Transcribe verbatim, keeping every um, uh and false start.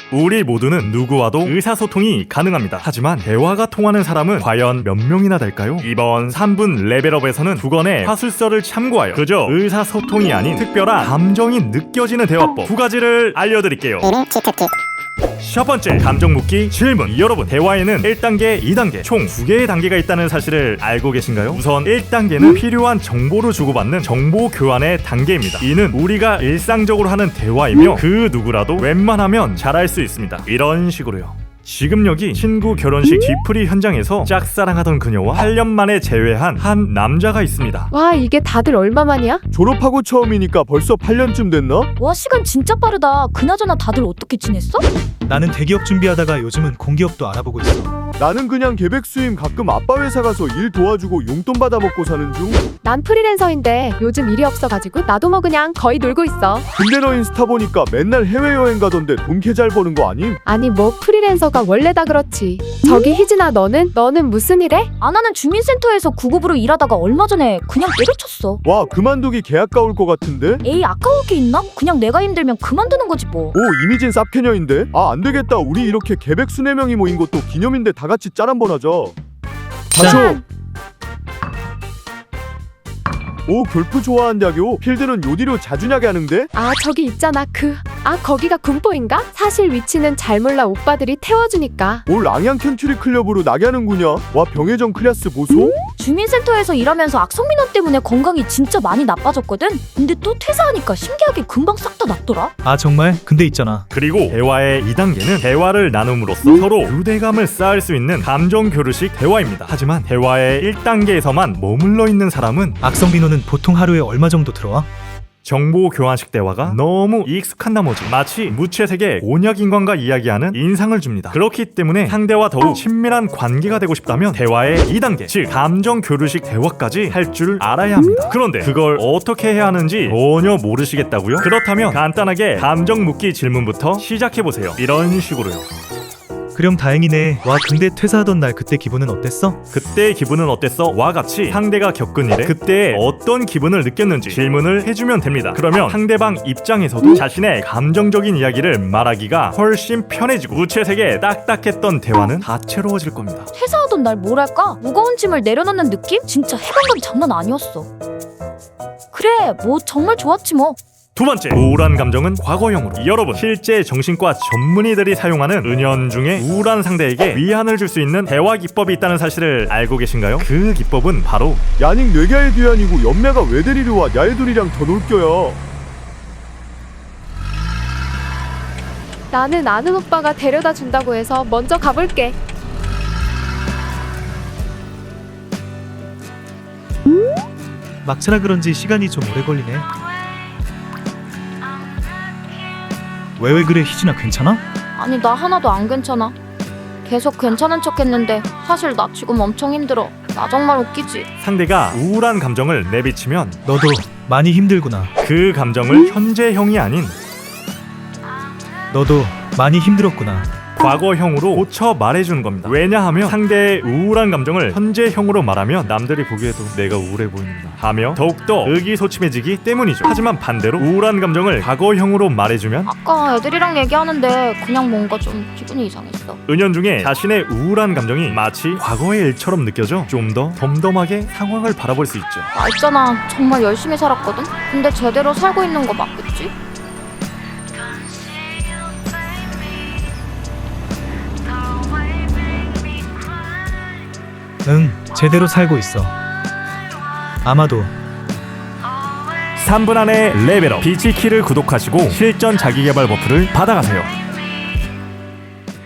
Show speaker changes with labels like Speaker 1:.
Speaker 1: 우리 모두는 누구와도 의사소통이 가능합니다. 하지만 대화가 통하는 사람은 과연 몇 명이나 될까요? 이번 삼 분 레벨업에서는 두 건의 화술서를 참고하여 그저 의사소통이 아닌 특별한 감정이 느껴지는 대화법 두 가지를 알려드릴게요. 첫 번째, 감정 묻기 질문. 여러분, 대화에는 일 단계, 이 단계 총 두 개의 단계가 있다는 사실을 알고 계신가요? 우선 일 단계는 필요한 정보를 주고받는 정보 교환의 단계입니다. 이는 우리가 일상적으로 하는 대화이며 그 누구라도 웬만하면 잘할 수 있습니다. 이런 식으로요. 지금 여기 친구 결혼식 뒤풀이 현장에서 짝사랑하던 그녀와 팔 년 만에 재회한 한 남자가 있습니다.
Speaker 2: 와, 이게 다들 얼마만이야?
Speaker 3: 졸업하고 처음이니까 벌써 팔 년쯤 됐나?
Speaker 4: 와, 시간 진짜 빠르다. 그나저나 다들 어떻게 지냈어?
Speaker 5: 나는 대기업 준비하다가 요즘은 공기업도 알아보고 있어.
Speaker 3: 나는 그냥 계백 수임 가끔 아빠 회사 가서 일 도와주고 용돈 받아 먹고 사는 중.
Speaker 2: 난 프리랜서인데 요즘 일이 없어가지고 나도 뭐 그냥 거의 놀고 있어.
Speaker 3: 근데 너 인스타 보니까 맨날 해외여행 가던데 돈 개 잘 버는 거 아님?
Speaker 2: 아니 뭐 프리랜서가 원래 다 그렇지. 저기 희진아, 너는? 너는 무슨 일 해?
Speaker 4: 아, 나는 주민센터에서 구급으로 일하다가 얼마 전에 그냥 때려쳤어.
Speaker 3: 와, 그만두기 개 아까울 것 같은데?
Speaker 4: 에이, 아까울 게 있나? 그냥 내가 힘들면 그만두는 거지 뭐.
Speaker 3: 오, 이미진 쌉캐녀인데? 아, 안되겠다. 우리 이렇게 계백 수네 명이 모인 것도 기념인데 다 같이 짤 한번 하자. 자초! 오, 골프 좋아한다교? 필드는 요디로 자주냐게 하는데?
Speaker 2: 아, 저기 있잖아. 그... 아, 거기가 군포인가? 사실 위치는 잘 몰라. 오빠들이 태워주니까.
Speaker 3: 올 랑양 캔트리 클럽으로 나게 하는구냐? 와, 병해정 클래스 보소?
Speaker 4: 주민센터에서 일하면서 악성민원 때문에 건강이 진짜 많이 나빠졌거든? 근데 또 퇴사하니까 신기하게 금방 싹 다 낫더라?
Speaker 5: 아 정말? 근데 있잖아.
Speaker 1: 그리고 대화의 이 단계는 대화를 나눔으로써 서로 유대감을 쌓을 수 있는 감정 교류식 대화입니다. 하지만 대화의 일 단계에서만 머물러 있는 사람은
Speaker 5: 악성 민원은 보통 하루에 얼마 정도 들어와?
Speaker 1: 정보 교환식 대화가 너무 익숙한 나머지 마치 무채색의 곤약인간과 이야기하는 인상을 줍니다. 그렇기 때문에 상대와 더욱 친밀한 관계가 되고 싶다면 대화의 이 단계, 즉 감정 교류식 대화까지 할 줄 알아야 합니다. 그런데 그걸 어떻게 해야 하는지 전혀 모르시겠다고요? 그렇다면 간단하게 감정 묻기 질문부터 시작해보세요. 이런 식으로요.
Speaker 5: 그럼 다행이네. 와 근데 퇴사하던 날 그때 기분은 어땠어?
Speaker 1: 그때의 기분은 어땠어? 와 같이 상대가 겪은 일에 그때 어떤 기분을 느꼈는지 질문을 해주면 됩니다. 그러면 상대방 입장에서도 자신의 감정적인 이야기를 말하기가 훨씬 편해지고 무채색에 딱딱했던 대화는 다채로워질 겁니다.
Speaker 4: 퇴사하던 날 뭐랄까? 무거운 짐을 내려놓는 느낌? 진짜 해방감 장난 아니었어. 그래, 뭐 정말 좋았지 뭐.
Speaker 1: 두 번째, 우울한 감정은 과거형으로. 여러분, 실제 정신과 전문의들이 사용하는 은연중에 우울한 상대에게 위안을 줄 수 있는 대화 기법이 있다는 사실을 알고 계신가요? 그 기법은 바로
Speaker 3: 야닉 뇌가의 뒤안이고 연매가 왜 데리러 와? 야애들이랑 더 놀겨요.
Speaker 2: 나는 아는 오빠가 데려다 준다고 해서 먼저 가볼게.
Speaker 5: 막차라 그런지 시간이 좀 오래 걸리네. 왜 왜 그래 희진아, 괜찮아?
Speaker 4: 아니, 나 하나도 안 괜찮아. 계속 괜찮은 척 했는데 사실 나 지금 엄청 힘들어. 나 정말 웃기지?
Speaker 1: 상대가 우울한 감정을 내비치면
Speaker 5: 너도 많이 힘들구나.
Speaker 1: 그 감정을 현재형이 아닌
Speaker 5: 너도 많이 힘들었구나.
Speaker 1: 과거형으로 고쳐 말해주는 겁니다. 왜냐하면 상대의 우울한 감정을 현재형으로 말하면 남들이 보기에도 내가 우울해 보인다 하며 더욱더 의기소침해지기 때문이죠. 하지만 반대로 우울한 감정을 과거형으로 말해주면
Speaker 4: 아까 애들이랑 얘기하는데 그냥 뭔가 좀 기분이 이상했어.
Speaker 1: 은연중에 자신의 우울한 감정이 마치 과거의 일처럼 느껴져 좀 더 덤덤하게 상황을 바라볼 수 있죠.
Speaker 4: 나 있잖아, 정말 열심히 살았거든? 근데 제대로 살고 있는 거 맞겠지?
Speaker 5: 응, 제대로 살고 있어. 아마도.
Speaker 1: 삼 분 안에 레벨업 비치키를 구독하시고 실전 자기개발 버프를 받아가세요.